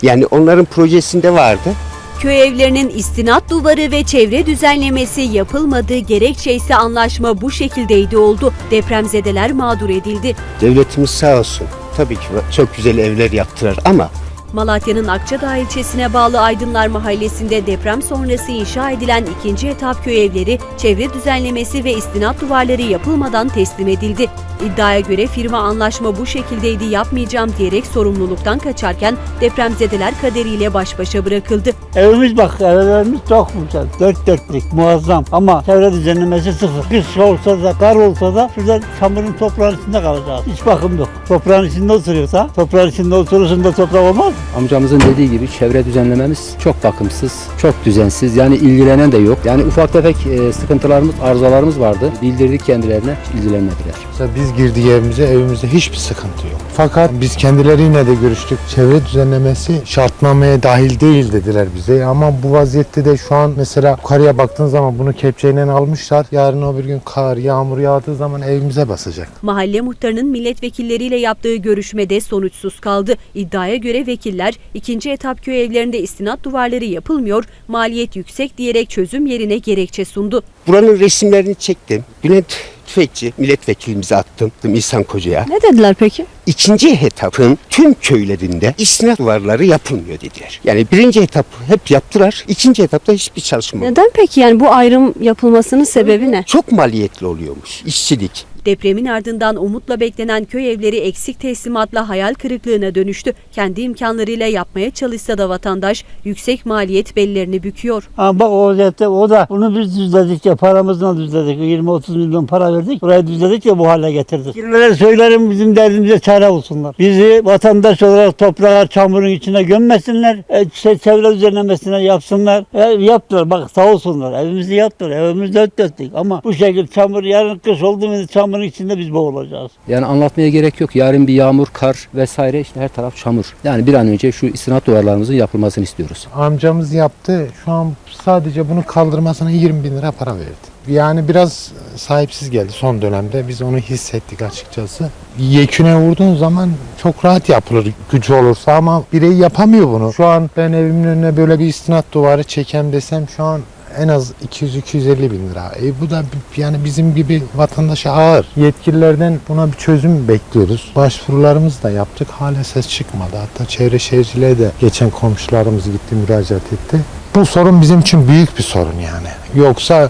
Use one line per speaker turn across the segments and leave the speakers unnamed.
Yani onların projesinde vardı.
Köy evlerinin istinat duvarı ve çevre düzenlemesi yapılmadığı gerekçe ise anlaşma bu şekildeydi oldu. Depremzedeler mağdur edildi.
Devletimiz sağ olsun. Tabii ki çok güzel evler yaptılar ama
Malatya'nın Akçadağ ilçesine bağlı Aydınlar Mahallesi'nde deprem sonrası inşa edilen ikinci etap köy evleri, çevre düzenlemesi ve istinat duvarları yapılmadan teslim edildi. İddiaya göre firma anlaşma bu şekildeydi yapmayacağım diyerek sorumluluktan kaçarken depremzedeler kaderiyle baş başa bırakıldı.
Evimiz bak, evlerimiz çok güzel, dört dörtlük, muazzam ama çevre düzenlemesi sıfır. Kış olsa da, kar olsa da şurada çamurun toprağın içinde kalacağız. Hiç bakım yok. Toprağın içinde oturuyorsa, toprağın içinde oturursun da toprak olmaz mı?
Amcamızın dediği gibi çevre düzenlememiz çok bakımsız, çok düzensiz. Yani ilgilenen de yok. Yani ufak tefek sıkıntılarımız, arızalarımız vardı. Bildirdik kendilerine, ilgilenmediler.
Mesela biz girdik evimizde hiçbir sıkıntı yok. Fakat biz kendileriyle de görüştük. Çevre düzenlemesi şartnameye dahil değil dediler bize. Ama bu vaziyette de şu an mesela yukarıya baktığın zaman bunu kepçeyle almışlar. Yarın öbür gün kar, yağmur yağdığı zaman evimize basacak.
Mahalle muhtarının milletvekilleriyle yaptığı görüşmede sonuçsuz kaldı. İddiaya göre vekiller ikinci etap köy evlerinde istinat duvarları yapılmıyor, maliyet yüksek diyerek çözüm yerine gerekçe sundu.
buranın resimlerini çektim. Bülent Tüfekçi milletvekilimize attım. İhsan Koca'ya.
Ne dediler peki?
İkinci etapın tüm köylerinde istinat duvarları yapılmıyor dediler. Yani birinci etap hep yaptılar. İkinci etapta hiçbir çalışma yok.
Neden peki, yani bu ayrım yapılmasının sebebi ne?
Çok maliyetli oluyormuş işçilik.
Depremin ardından umutla beklenen köy evleri eksik teslimatla hayal kırıklığına dönüştü. Kendi imkanlarıyla yapmaya çalışsa da vatandaş yüksek maliyet bellerini büküyor.
Ama bak o da bunu biz düzledik ya, paramızla düzledik. 20-30 milyon para verdik. Burayı düzledik ya, bu hale getirdik. Kirlere söylerim, bizim derdimize çare olsunlar. Bizi vatandaş olarak toprağa, çamurun içine gömmesinler. Çevre düzenlemesine yapsınlar. Yaptılar, bak sağ olsunlar. Evimizi yaptılar. Evimiz dört dörtlük. Ama bu şekilde çamur, yarın kış olduğumuzda çamurun içinde biz boğulacağız.
Yani anlatmaya gerek yok. Yarın bir yağmur, kar vesaire, işte her taraf çamur. Yani bir an önce şu istinat duvarlarımızın yapılmasını istiyoruz.
Amcamız yaptı. Şu an sadece bunu kaldırmasına 20 bin lira para verdi. Yani biraz sahipsiz geldi son dönemde. Biz onu hissettik açıkçası. Yeküne vurduğun zaman çok rahat yapılır gücü olursa ama birey yapamıyor bunu. Şu an ben evimin önüne böyle bir istinat duvarı çekeyim desem şu an en az 200-250 bin lira. Bu da yani bizim gibi vatandaşa ağır. Yetkililerden buna bir çözüm bekliyoruz. Başvurularımızı da yaptık. Hala ses çıkmadı. Hatta çevre şehirciliğe de geçen komşularımız gitti, müracaat etti. Bu sorun bizim için büyük bir sorun yani. Yoksa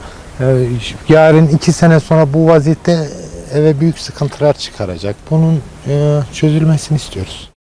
yarın 2 sene sonra bu vaziyette eve büyük sıkıntılar çıkaracak. Bunun çözülmesini istiyoruz.